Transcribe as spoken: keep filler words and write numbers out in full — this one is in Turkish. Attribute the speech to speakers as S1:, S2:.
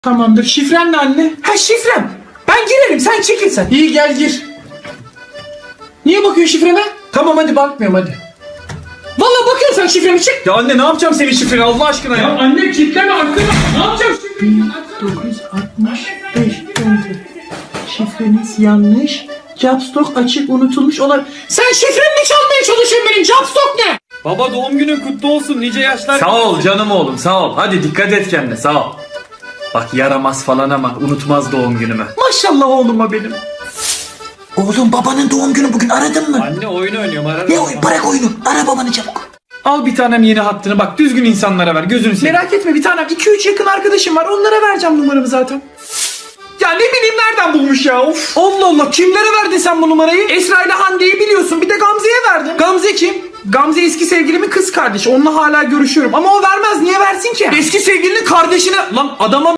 S1: Tamamdır. Şifren ne anne? Ha şifrem. Ben girerim, sen çekil sen. İyi gel gir. Niye bakıyorsun şifreme? Tamam hadi bakmıyorum hadi. Vallahi bakıyorsun sen şifremi, çık. Ya anne ne yapacağım senin şifreni Allah aşkına ya. Ya anne kilitleme arkada. Ne yapacağım şifreni? dokuz yüz altmış beş Şifreniz yanlış. Capstock açık unutulmuş olabilir. Sen şifremi çalmaya çalışıyorsun benim. Capstock ne?
S2: Baba doğum günün kutlu olsun, nice yaşlar.
S3: Sağ ol canım oğlum sağ ol. Hadi dikkat et kendine sağ ol. Bak yaramaz falan ama unutmaz doğum günümü.
S1: Maşallah oğluma benim.
S4: Oğlum babanın doğum günü bugün, aradın mı?
S2: Anne oyun oynuyorum, ararım.
S4: Ne oyun? Bırak oyunu. Ara babanı çabuk.
S1: Al bir tanem yeni hattını, bak düzgün insanlara ver, gözünü seveyim. Merak etme bir tanem, iki üç yakın arkadaşım var, onlara vereceğim numaramı zaten. Ya ne bileyim nereden bulmuş ya, of. Allah Allah, kimlere verdin sen bu numarayı? Esra ile Hande'yi biliyorsun, bir de Gamze'ye verdim. Gamze kim? Gamze eski sevgilimin kız kardeşi, onunla hala görüşüyorum ama o vermez, niye versin ki? Eski sevgilinin kardeşine lan adama